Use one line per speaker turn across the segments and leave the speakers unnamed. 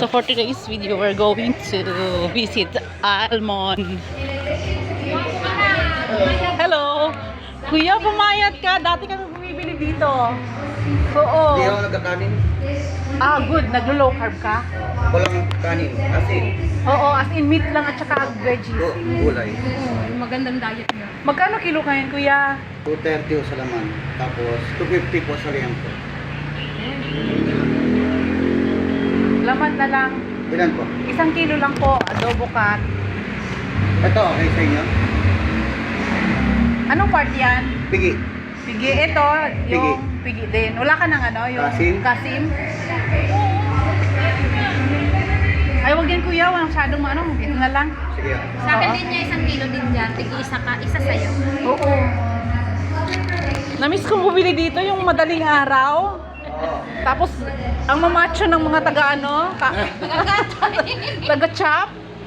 So for today's video, we're going to visit Almond. Hello! Kuya, pumayat ka. Dati kami bumibili dito. Oo.
Hindi ako nagkakanin.
Ah, good. Naglo-low carb ka?
Walang kanin. Asin.
Oo, as in meat lang at saka veggies.
Gulay.
Magandang diet niya.
Magkano kilo kayan, kuya?
230 po sa laman. Tapos 250 po sa liempo.
Laman na lang.
Ilan po?
1 kilo lang po, adobo cat.
Ito, okay sa inyo?
Anong part yan?
Pigi.
Pigi. Ito, yung pigi din. Wala ka ng ano? Yung
Kasim?
Kasim? Ay, wag yan kuya. Walang masyadong ano. Ito na lang.
Sige.
Sa akin din niya 1 kilo din dyan. Tig-isa ka, isa sa'yo.
Oo. Namiss kong bumili dito yung madaling araw. Tapos, ang mamacho ng mga taga-ano, taga-chop.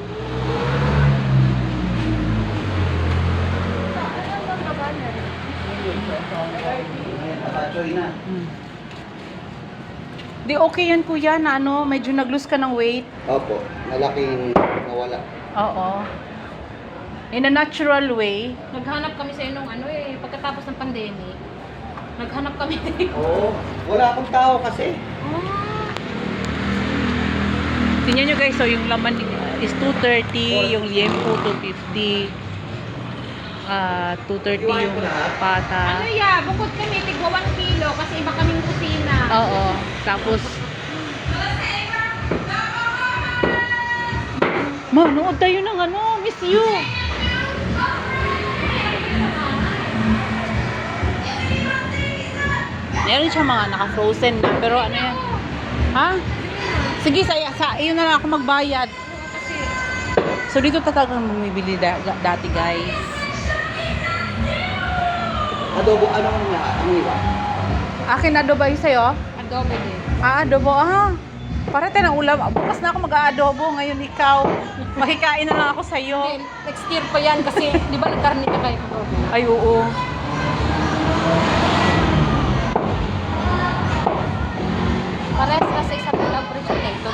Di okay yan kuya na ano, medyo nag-lose ka ng weight.
Opo. Malaking nawala.
Oo. In a natural way.
Naghanap kami sa'yo nung ano pagkatapos ng pandemic. Naghanap kami.
Oo. Wala akong tao kasi.
Tingnan nyo guys, so yung laman is 230, yung liempo 250, 230 yung pata.
Ano bukod kami, tigwa 1 kilo kasi iba kaming kusina.
Oo, tapos manood tayo ng ano, miss you. Meron siya mga naka-frozen na, pero ano yan? Ha? Sige, sa iyo na lang ako magbayad. So dito talagang bumibili dati guys.
Adobo, ano nga? Ano iba?
Akin adobo yung sa'yo?
Adobo din.
Adobo, para tayo ng ulam. Bukas na ako mag-aadobo, ngayon ikaw. Makikain na lang ako sa'yo.
Next year pa yan kasi di ba nagkarni ka kayo adobo?
Ay, oo.
Parehas kasi sa tulang presyo ito,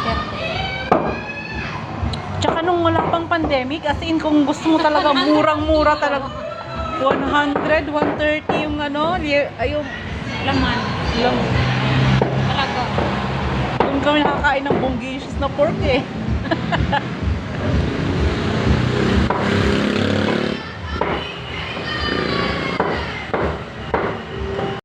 30.
Tsaka nung wala pang pandemic, as in kung gusto mo talaga, murang-mura talaga. 100, 130 yung ano, yung
Laman.
lang.
Talaga.
Doon kami nakakain ng bonggisius na pork eh.